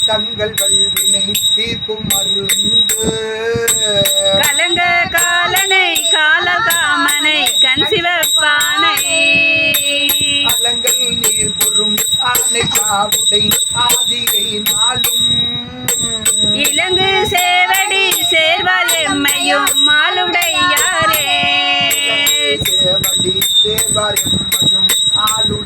தங்கள் வல்வினை தீர்க்கும் மருந்து கலங்க காலனை காலல் காமனை கண் சிவப்பானை அலங்கள் நீர் பொறும் ஆனை காவுடை ஆதிகை நாளும் இலங்கு சேவடி சேர்வார் எம்மையும் மாலுடையாரே சேவடி சேர்வார்